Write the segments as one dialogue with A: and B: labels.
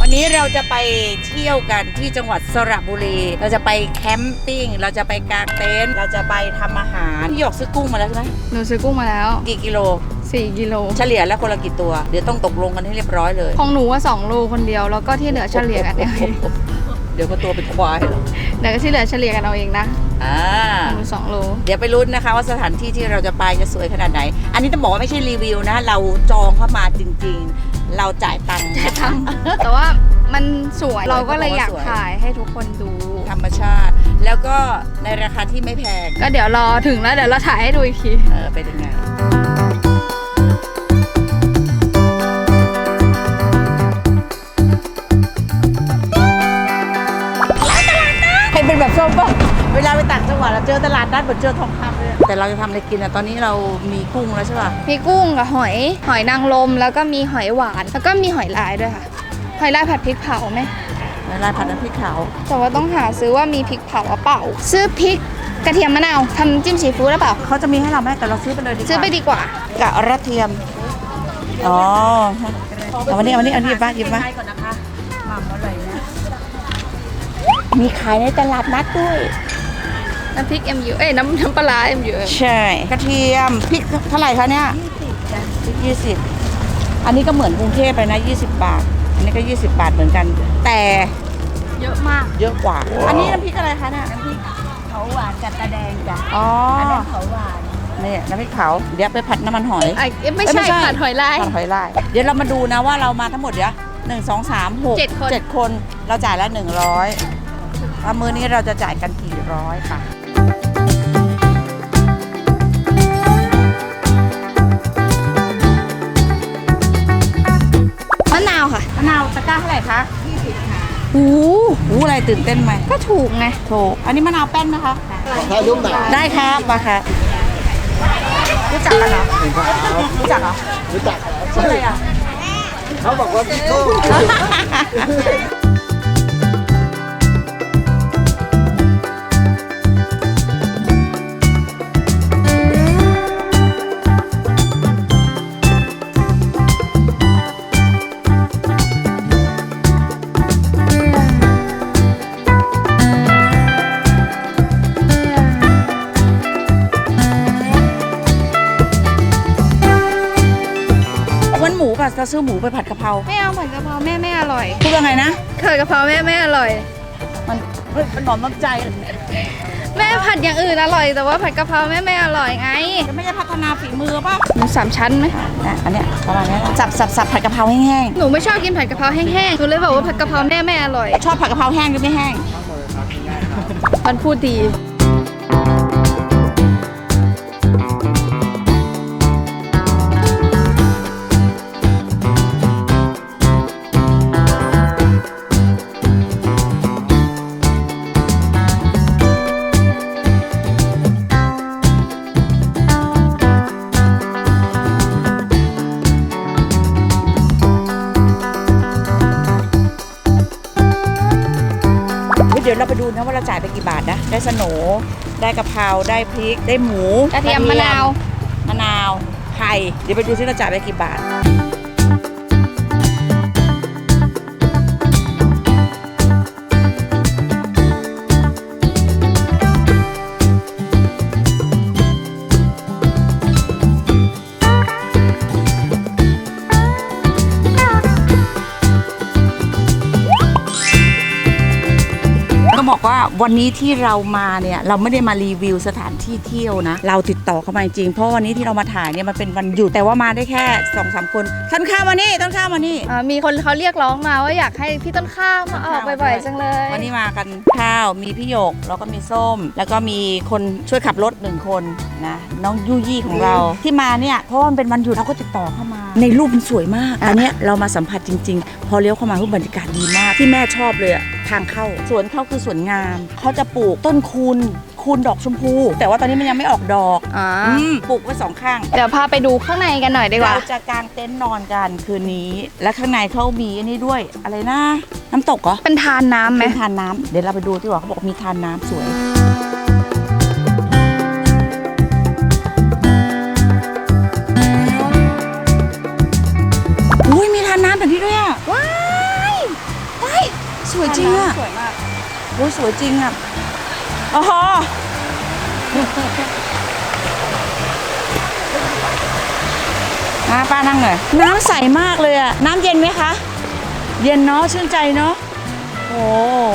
A: วันนี้เราจะไปเที่ยวกันที่จังหวัดสระบุรีเราจะไปแคมปิ้งเราจะไปกางเต็นท์เราจะไปทำอาหารพี่หยกซื้อกุ้งมาแล้วใช่ไหม
B: หนูซื้อกุ้งมาแล้ว
A: กี่กิโล
B: 4 กิโล
A: เฉลี่ยแล้วคนละกี่ตัวเดี๋ยวต้องตกลงกันให้เรียบร้อยเลย
B: ของหนูว่า2 โลคนเดียวแล้วก็ที่เหลือเฉลี่ยกันเอง
A: เดี๋ยวก็ตัวเป็นควายเหรอ
B: เดี๋ยวก็ที่เหลือเฉลี่ยกันเอาเองนะหนู2 โล
A: เดี๋ยวไปลุ้นนะคะว่าสถานที่ที่เราจะไปจะสวยขนาดไหนอันนี้ต้องบอกว่าไม่ใช่รีวิวนะเราจองเข้ามาจริงๆเราจ่ายตังค์
B: แต่ว่ามันสวยเราก็เลยอยากถ่ายให้ทุกคนดู
A: ธรรมชาติแล้วก็ในราคาที่ไม่แพง
B: ก็เดี๋ยวรอถึงแล้วเดี๋ยวเราถ่ายให้ดูอีกที
A: เป็นยังไงเป็นแบบส้มป่ะเวลาไปต่างจังหวัดเราเจอตลาดนัดเหมือนเจอทองคำเลยแต่เราจะทำอะไรกินอ่ะตอนนี้เรามีกุ้งแล้วใช่ป่ะ
B: มีกุ้งกับหอยนางรมแล้วก็มีหอยหวานแล้วก็มีหอยลายด้วยค่ะหอยลายผัดพริกเผาไหม
A: หอยลายผัดน้ำพริกเผา
B: แต่ว่าต้องหาซื้อว่ามีพริกเผาหรือเปล่าซื้อพริกกระเทียมมะนาวทำจิ้มซีฟู้ดหรือเปล่า
A: เขาจะมีให้เราไหมแต่เราซื้อไปเลยดีกว่า
B: ซื้อไปดีกว่าก
A: ระเทียมอ๋อเอาวันนี้หยิบมาก่อนนะคะหม่ำอร่อยนะมีขายในตลาดนัดด้วย
B: น้ำพริก MU น้ำปลา MU
A: ใช่กระเทียมพริกเท่าไหร่คะเนี่ย20อันนี้ก็เหมือนกรุงเทพเลยนะ20 บาทอันนี้ก็20 บาทเหมือนกันแต่
B: เยอะมาก
A: เยอะกว่าอันนี้น้ำพริกอะไรคะเนี่ย
C: น้ำพริกเผาหวานกับตาแดงจ้ะ
A: อ๋อ
C: อันนั้นเผาหวาน
A: นี่น้ำพริกเผาเดี๋ยวไปผัดน้ำมันหอย
B: ไม่ใช่ผัดหอยลาย
A: ผัดหอยลายเดี๋ยวเรามาดูนะว่าเรามาทั้งหมดเดี๋ยว1 2 3 6 7 คนเราจ่ายละ100มื้อนี้เราจะจ่ายกันกี่ร้อยค่ะ
B: มะนาวค่ะ
A: มะนาวตะกร้าเท่าไหร่คะ
C: 20ค่ะ
A: อะไรตื่นเต้นไหม
B: ก็ถูกไง
A: ถูกอันนี้มะนาวแป้นนะคะ
C: ถ่ายรูปหน่อย
A: ได้ครับมาค่ะรู้จักกันเหรอรู้จักเหรอ
C: รู้จัก
A: ชื่ออะไรอ่ะ
C: เขาบอกว่าพี่โก้
A: หมูป่ะจะซื้อหมูไปผัดกะเพรา
B: ไม่เอาผัดกะเพราแม่ไม่อร่อย
A: พูดว่าไงนะ
B: ผัดกะเพราแม่ไม่อร่อย
A: มันหอมน้ำใจ
B: แม่ผัดอย่างอื่นอร่อยแต่ว่าผัดกะเพราแม่ไม่อร่อยไง
A: จะไม่ได้พัฒนาฝีมือป่ะ
B: หมู3 ชั้นไหม
A: อันเนี้ยประมาณนี้สับผัดกะเพราแห้ง
B: ๆหนูไม่ชอบกินผัดกะเพราแห้งๆหนูเลยบอกว่าผัดกะเพราแม่ไม่อร่อย
A: ชอบผัดกะเพราแห้งหรือไม่แห้ง
B: มันพูดดี
A: เดี๋ยวเราไปดูนะว่าเราจ่ายไปกี่บาทนะได้สโหน่ได้กะเพราได้พริกได้หมู
B: กระเทียมมะนาว
A: ไข่เดี๋ยวไปดูซิเราจ่ายไปกี่บาทบอกว่าวันนี้ที่เรามาเนี่ยเราไม่ได้มารีวิวสถานที่เที่ยวนะเราติดต่อเข้ามาจริงเพราะวันนี้ที่เรามาถ่ายเนี่ยมันเป็นวันหยุดแต่ว่ามาได้แค่ 2-3 คนต้นข้าวมานี่
B: มีคนเขาเรียกร้องมาว่าอยากให้พี่ต้นข้าวมาออกบ่อยๆจังเลย
A: วันนี้มากันข้าวมีพี่หยกแล้วก็มีส้มแล้วก็มีคนช่วยขับรถ1 คนนะน้องยุยี่ของเราที่มาเนี่ยเพราะว่ามันเป็นวันหยุดเราก็ติดต่อเข้ามาในรูปมันสวยมากอันนี้เรามาสัมผัสจริงๆพอเลี้ยวเข้ามารูปบรรยากาศดีมากที่แม่ชอบเลยทางเข้าสวนเขาคือสวนงามเขาจะปลูกต้นคูณดอกชมพูแต่ว่าตอนนี้มันยังไม่ออกดอกปลูกไว้2 ข้าง
B: เดี๋ยวพาไปดูข้างในกันหน่อยดีกว่า
A: เราจะกางเต็นท์นอนกันคืนนี้และข้างในเขามีอันนี้ด้วยอะไรนะน้ำตกเหรอ
B: เป็นทานน้ำไหม
A: เป็นทานน้ำเดี๋ยวเราไปดูที่ว่าเขาบอกมีทานน้ำสวยอุ้ยมีทานน้ำแบบนี้ด้วยอ่ะว้ายสวยจริงอะ
B: สวยมาก
A: โอ้ยสวยจริงอะอ๋อป้านั่งหน่อยน้ำใสมากเลยอะน้ำเย็นไหมคะ เย็นเนาะชื่นใจเนาะโอ้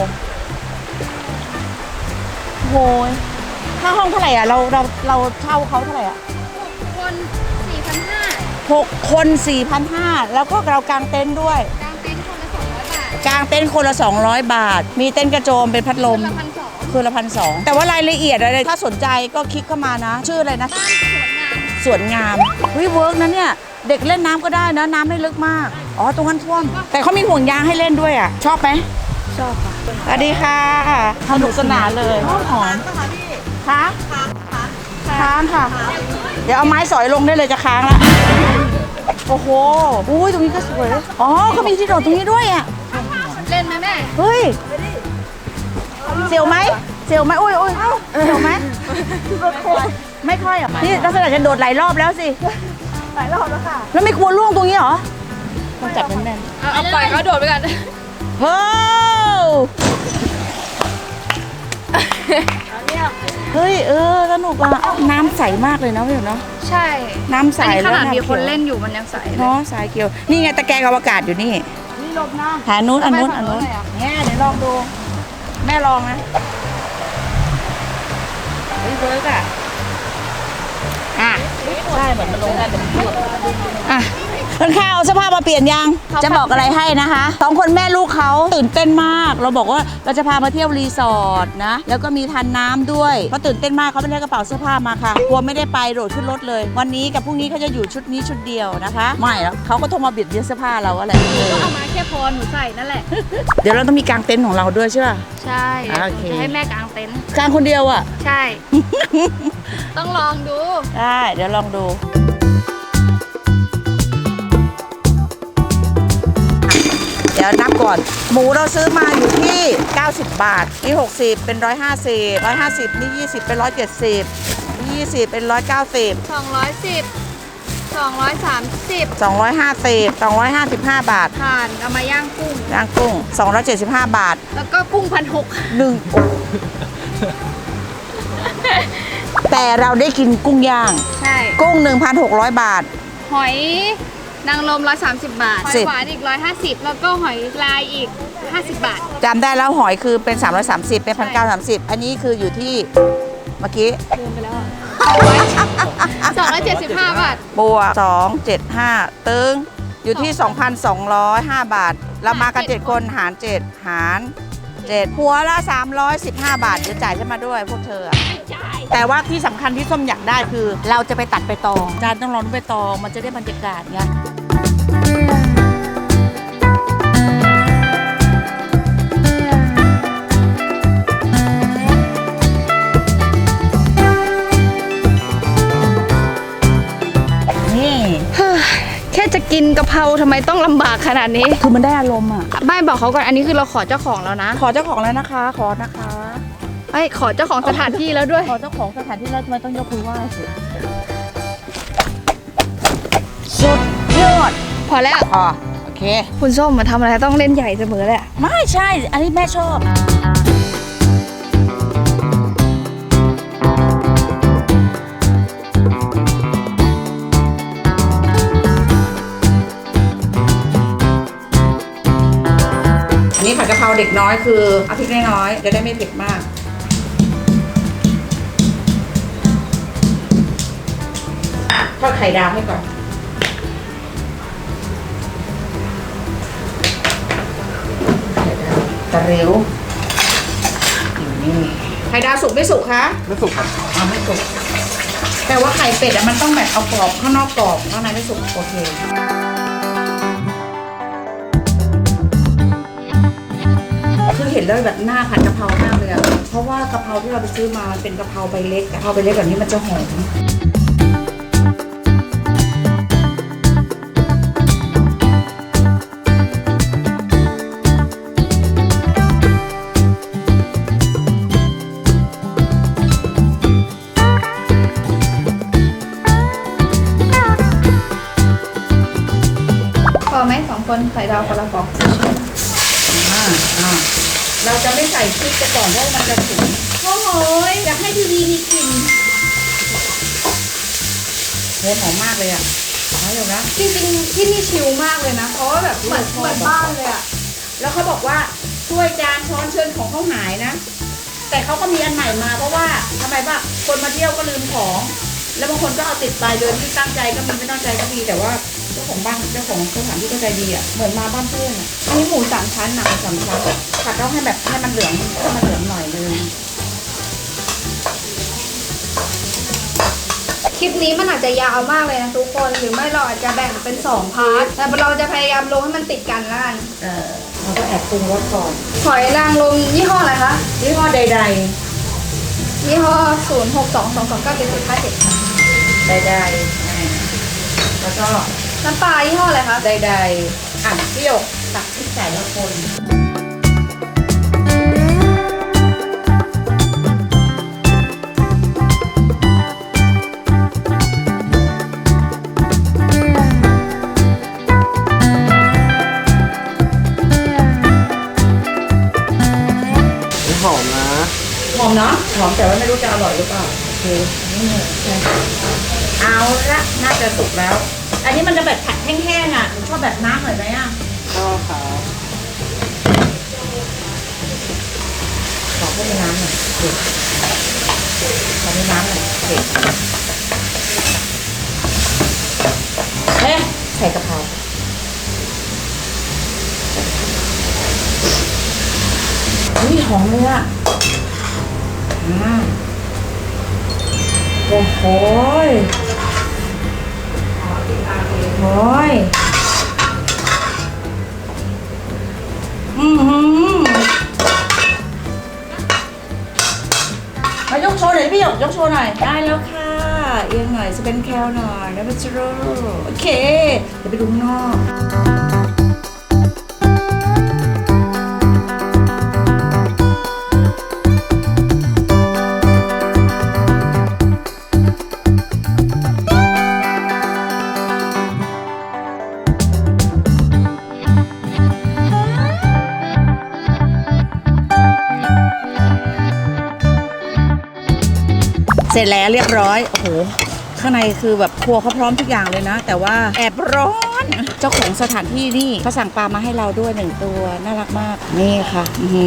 A: โหค่าห้องเท่าไหร่อ่ะเราเช่าเขาเท่าไหร่อ่ะ
B: คน 4,500
A: 6 คน 4,500แล้วก็เรากางเต็นท์ด้วย
B: กลางเต็นท์คนละ 200 บาท
A: กางเต็นท์คนละ200 บาท มีเต็นท์กระโจมเป็นพัดลม
B: คนละ 1,200
A: คืนละ1,200แต่ว่ารายละเอียดอะไรถ้าสนใจก็คลิกเข้ามานะ ชื่ออะไรนะ
B: บ้านสวนงาม
A: สวนงามเวิร์กนะเนี่ย เด็กเล่นน้ำก็ได้นะน้ำไม่ลึกมากอ๋อตรงนั้นท่วมแต่เขามีห่วงยางให้เล่นด้วยอ่ะชอบไหม
B: ชอบค่ะ
A: สวัสดีค่ะสนุกสนานเลยหอมคะค้างค่ะ เดี๋ยวเอาไม้สอยลงได้เลยจะค้างละโอ้โหอุ้ยตรงนี้ก็สวยอ๋อเขามีที่โดดตรงนี้ด้วยอ่ะ
B: เล่นไหมแม่
A: เฮ้ยเสียวไหมเสียวไหมอุ้ยเสียวไหมไม่ค่อยอ่ะนี่ลักษณะจะโดดหลายรอบแล้วสิหลายรอบแล้วค่ะแล้วไม่กลัวล่วงตรงนี้เหรอต้องจับแน่น
B: เอาปล่อยเขาโดดไปกัน
A: ๆเฮ้ยเฮ้ยสนุกอ่ะน้ำใสมากเลยนะพี่หนูเนาะ
B: ใช่
A: น้ำใส
B: อันนี้ข
A: แล้ว
B: นาดมีคน
A: ำขียว
B: เล่นอยู่มันยังใสเลย
A: เนาะสายเกี่ยวนี่ไงตะแกรงอวกาศอยู่นี่
C: นี่ลมนะ
A: หานู้นอันนู้น
B: ไปฝั่งนู้นเลยอะ
A: เนี่ยเดี๋ยวลองดู แม่ลองนะเฮ้ยเวิร์กอ่ะใช่เหมือนมันลงได้แต่อ่ะคนข้าวเอาเสื้อผ้ามาเปลี่ยนยังจะบอกอะไรให้นะคะ2 คนแม่ลูกเขาตื่นเต้นมาก เราบอกว่าเราจะพามาเที่ยวรีสอร์ทนะแล้วก็มีทานน้ำด้วยเขาตื่นเต้นมากเขาไม่ได้กระเป๋าเสื้อผ้ามาค่ะกลัวไม่ได้ไปโดดขึ้นรถเลย วันนี้กับพรุ่งนี้เขาจะอยู่ชุดนี้ชุดเดียวนะคะไม่แล้วเขาก็โทรมาเบียดเบียนเสื้อผ้าเราอะไร
B: ก็เอามาแค่พอหนูใส่นั่นแหละ
A: เดี๋ยวเราต้องมีกางเต็นท์ของเราด้วยใช่ป่ะ
B: ใช่เดี๋ยว
A: โอเค
B: จะให้แม่กางเต็นท์
A: กางคนเดียวอ่ะ
B: ใช่ ต้องลองดู
A: ได้เดี๋ยวลองดู เดี๋ยวนับก่อน หมูเราซื้อมาอยู่ที่ 90 บาท นี่60 เป็น 150 150 นี่ 20 เป็น 170 นี่ 20 เป็น 190
B: 210 230
A: 250 255 บาท
B: ผ่านเอามาย่างกุ้ง
A: ย่างกุ้ง 275 บาท
B: แล้วก็กุ้ง1,600
A: 1แต่เราได้กินกุ้งย่าง
B: ใช่
A: กุ้ง 1,600 บาท
B: หอยนางรม130 บาท หอยหวานอีก 150 แล้วก็หอยลายอีก 50 บาท
A: จำได้แล้วหอยคือเป็น 330 เป็น 1,930 อันนี้คืออยู่ที่เมื่อกี้
B: ลืมไปแล้ว275 บาท
A: บวก275 ตึงอยู่ที่ 2,205 บาท เรามากัน 7 คนหาร 7 หาร 7 หัวละ 315 บาท เดี๋ยวจ่ายฉันมาด้วยพวกเธออะแต่ว่าที่สำคัญที่ส้มอยากได้คือ เราจะไปตัดใบตองจานต้องร้อนใบตองมันจะได้บรรยากาศไงนี่
B: แค่จะกินกะเพราทำไมต้องลำบากขนาดนี้
A: คือมันได้อารมณ์อ่ะ
B: ไม่บอกเขาก่อนอันนี้คือเราขอเจ้าของแล้วนะ
A: ขอเจ้าของแล้วนะคะ ขอนะคะ
B: ไอ้ยขอเจ้าของสถานที่แล้วด้วย
A: ขอเจ้าของสถานที่แล้วทำไมต้องยกมือไหว้สิสุดยอด
B: พอแล้ว
A: พอโอเค
B: คุณส้มมาทำอะไรต้องเล่นใหญ่เสมอเลยอะ
A: ไม่ใช่ อันนี้แม่ชอบ นี่ผัดกะเพราเด็กน้อยคือเอาพริกน้อยๆจะได้ไม่เผ็ดมาก ทอดไข่ดาวให้ก่อน ตะเร็วนี่ไข่ดาวสุกไม่สุกคะ
C: ไม่สุกครับ
A: ไม่สุก แต่ว่าไข่เป็ดอะมันต้องแบบเอากรอบข้างนอกกรอบข้างในไม่สุกโอเค คือเห็นแล้วแบบหน้าผัดกะเพรามากเลยอะเพราะว่ากะเพราที่เราไปซื้อมามันเป็นกะเพราใบเล็กกะเพราใบเล็กแบบนี้มันจะหอม
B: พอไหม2 คนไข่ดาวคนละฟอง
A: อ่าเราจะไม่ใส่พริกไปก่อนเพราะมันจะฉุนโอ้โหอยากให้ทีวีมีกลิ่นโหหอมมากเลยอ่ะเอาอยู่นะ
B: จริงๆที่นี่ชิลมากเลยนะ เพราะว่าแบบเหมือนบ้านเลยอะ
A: แล้วเขาบอกว่าถ้วยจานช้อนเชิญของเขาหายนะ แต่เขาก็มีอันใหม่มาเพราะว่าทำไมป่ะคนมาเที่ยวก็ลืมของ แล้วบางคนก็เอาติดไปเลยที่ตั้งใจก็มีไม่ตั้งใจก็มีแต่ว่าเจ้าของบ้านเจ้าของสถานที่ก็ใจดีอ่ะเหมือนมาบ้านเพื่อนอ่ะ
B: อันนี้หมูสามชั้นนะ
A: สำคัญผัดต้องให้แบบให้มันเหลืองหน่อยนึง
B: คลิปนี้มันอาจจะยาวมากเลยนะทุกคน หรือไม่เราอาจจะแบ่งเป็น2 พาร์ท แต่เราจะพยายามลงให้มันติดกันแล้วกัน
A: เราก็แอบปรุงรสก่อน
B: หอยนางรมยี่ห้ออะไรคะ
A: ยี่ห้อใด
B: ยี่ห้อ 0622297757
A: ๆแล้วก็
B: น้ำปลายี่ห้ออะไรคะ
A: ใดๆเปรี้ยวตักพริกใส่แล้วคน
C: หอมนะ
A: หอมเนาะหอมแต่ว่าไม่รู้จะอร่อยหรือเปล่าโอเคเอาละน่าจะสุกแล้ว อันนี้มันจะแบบผัดแห้งๆอ่ะหนูชอบแบบน้ำหน่อยไหมอ่ะ
C: ชอบครับ
A: ขอเพิ่มน้ำหน่อยเด็ดขอเพิ่มน้ำหน่อยเด็ดเอ๊ะใส่กะเพราอุ้ยหอมเลยอ่ะโอ้โหโอ้ยมายกโชว์หน่อยพี่หยกยกโชว์หน่อยได้แล้วค่ะเอียงหน่อยสเปนแคลหน่อยแล้วมันจะโรโอเคเดี๋ยวไปดูข้างนอกเสร็จแล้วเรียบร้อย โอ้โห ข้างในคือแบบครัวเขาพร้อมทุกอย่างเลยนะ แต่ว่าแอบร้อน เจ้าของสถานที่นี่เขาสั่งปลามาให้เราด้วย1 ตัว น่ารักมาก นี่ค่ะ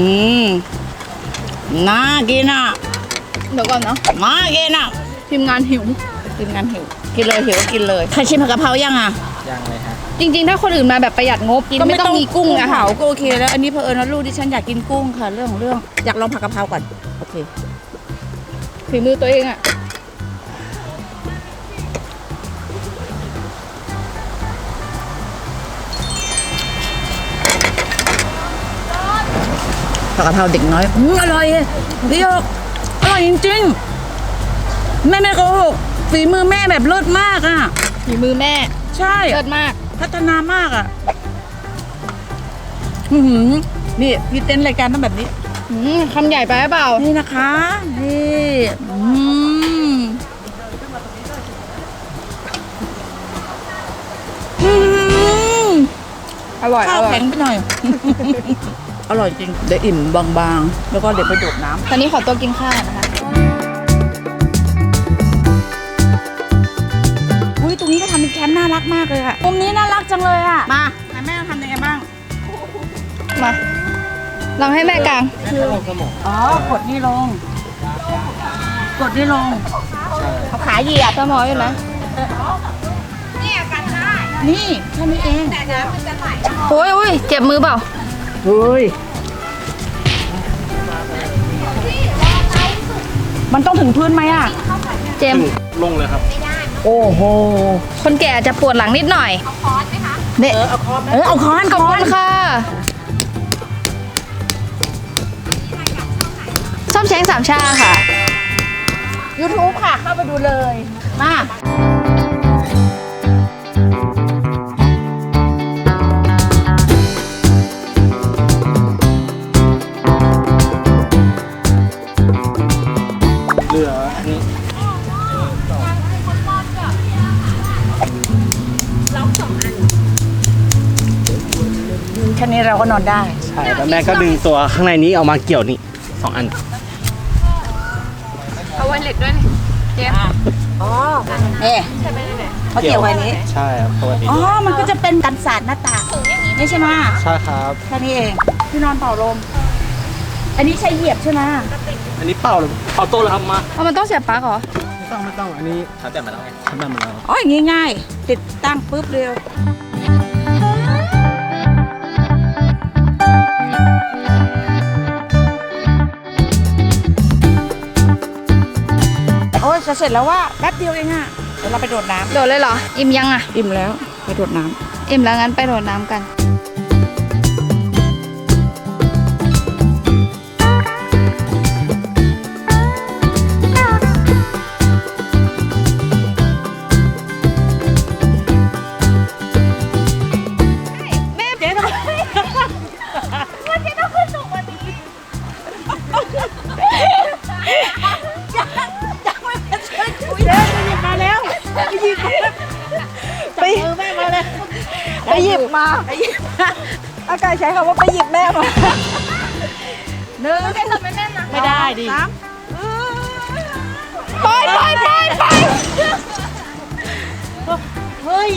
A: น่ากินอ่ะ
B: เดี๋ยวก่อนเนาะ
A: น่ากินอ่ะ
B: ทีมงานหิว
A: กินกันหิว กินเลยหิวกินเลยใครชิมผัดกะเพรายังอ่ะ
C: ยังเลยฮะ
B: จริงๆ ถ้าคนอื่นมาแบบประหยัดงบกินไม่ต้องมีกุ้งอะ
A: เผาก็โอเคแล้ว อันนี้เผอิญว่าลูกดิฉันอยากกินกุ้งค่ะ เรื่องของเรื่องอยากลองผัดกะเพราก่อน โอเค
B: ฝีมือตัวเองอะ
A: ผัดกะเพราเด็กน้อยอร่อยพี่หยกอร่อยจริงๆ แม่โกหกฝีมือแม่แบบเลิศมากอ่ะ
B: ฝีมือแม่
A: ใช่
B: เลิศมาก
A: พัฒนามากอ่ะนี่พี่เต้นรายการต้องแบบนี้
B: คำใหญ่ไปหรือเปล่า
A: นี่นะคะนี่
B: อร่อย
A: ข้าวแข็งไปหน่อย อร่อยจริงเดี๋ยวอิ่มบางๆแล้วก็เดี๋ยวไปดูดน้ำ
B: ตอนนี้ขอตัวกินข้าวนะคะ
A: อุ้ยตรงนี้ก็ทำเป็นแคมป์น่ารักมากเลยอะมุมนี้น่ารักจังเลยอะมาแม่ทำยังไงบ้าง
B: มาลองให้แม่กลาง
A: อ๋อกดนี่ลง กดนี่ลงเขาขาเหยียบ
B: สมออยู่นะ
A: นี่แค่นี้เอง
B: โอ้ยเจ็บมือเปล่า
A: เฮ้ยมันต้องถึงพื้นไหมอะ
B: เจมส์
C: ลงเลยครับ
A: โอ้โห
B: คนแก่อาจจะปวดหลังนิดหน่อย
A: เนี่ยเอาค้อน
B: ขอบคุณค่ะส้มแช้งสามชาค่ะ
A: YouTube ค่ะ เข้าไปดูเลยมา
C: เหลืออันนี้
A: แค่นี้เราก็นอนได้
C: ใช่ช่แล้วแม่ก็ดึงตัวข้างในนี้ออกมาเกี่ยวนี่2 อัน
B: เอาไวเลสด้วยนี่เจ๊
A: อ๋อนี่เขาเกี่ยวไว้นี้
C: ใช่ครับปกติ
A: อ๋อ มันก็จะเป็นกันสาดหน้าต่างนี่ใช่ไหม
C: ใช่ครับ
A: แค่นี้เองที่นอนเป่าลม อันนี้ใช้เหยียบใช่ไหม
C: อันนี้เป่าเลยเป่าโต๊ะเลยครับมา
B: เอามันต้องเสียบปลั๊กเหรอ
C: ไม่ต้องอันนี้ชาร์จแบตมาแล้วไงชาร์จแบตมาแล้ว
A: อ๋ออย่างงี้ง่าย ติดตั้งปุ๊บเร็วโอ้ยจะเสร็จแล้วว่าแป๊บเดียวเองอะเดี๋ยวเราไปโดดน้
B: โดดเลยเหรอ อิ่มยังอ่ะ
A: ำอิ่มแล้วไปโดดน้
B: อิ่มแล้วงั้นไปโดดน้ำกัน แม่เจ๊ทำไมว่าเจ๊ต้องขึ้นสูงกว่านี้
A: ำมาแล้วไปหยิบไปแม่มาเลย
B: ไปหยิบมา อากาศใช้คำว่าไปหยิบแม่มา
A: หนึ่ง
B: แค่จับไม่แน่นนะ
A: ไม่ได้ดิ
B: ไปไปไปไป
A: เฮ้ย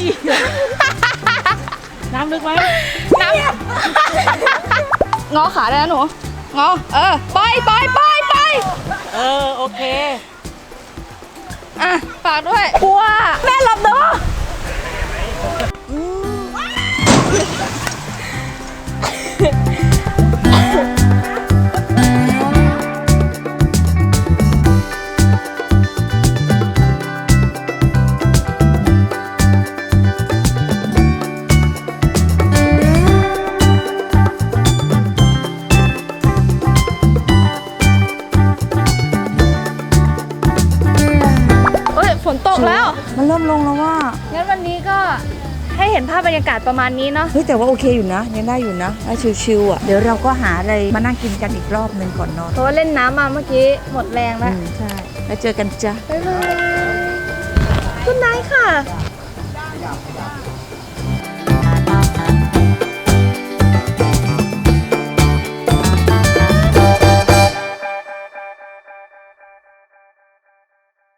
A: น้ำลึกไหม
B: น้ำงอขาได้แล้วหนู งอ ไปไปไปไป
A: โอเค
B: อ่ะ ฝากด้วยกลัวแม่หลับเนาะฝนตกแล้ว
A: มันเริ่มลงแล้วว่า
B: งั้นวันนี้ก็ให้เห็นภาพบรรยากาศประมาณนี้เนาะ
A: เฮ้ยแต่ว่าโอเคอยู่นะยังได้อยู่นะได้ชิวๆอ่ะเดี๋ยวเราก็หาอะไรมานั่งกินกันอีกรอบหนึ่งก่อนนอน
B: เพราะว่าเล่นน้ำมาเมื่อกี้หมดแรงแล้ว
A: ใช่แล้วเจอกันจ้ะ
B: บ๊ายบายคุณนายค่ะ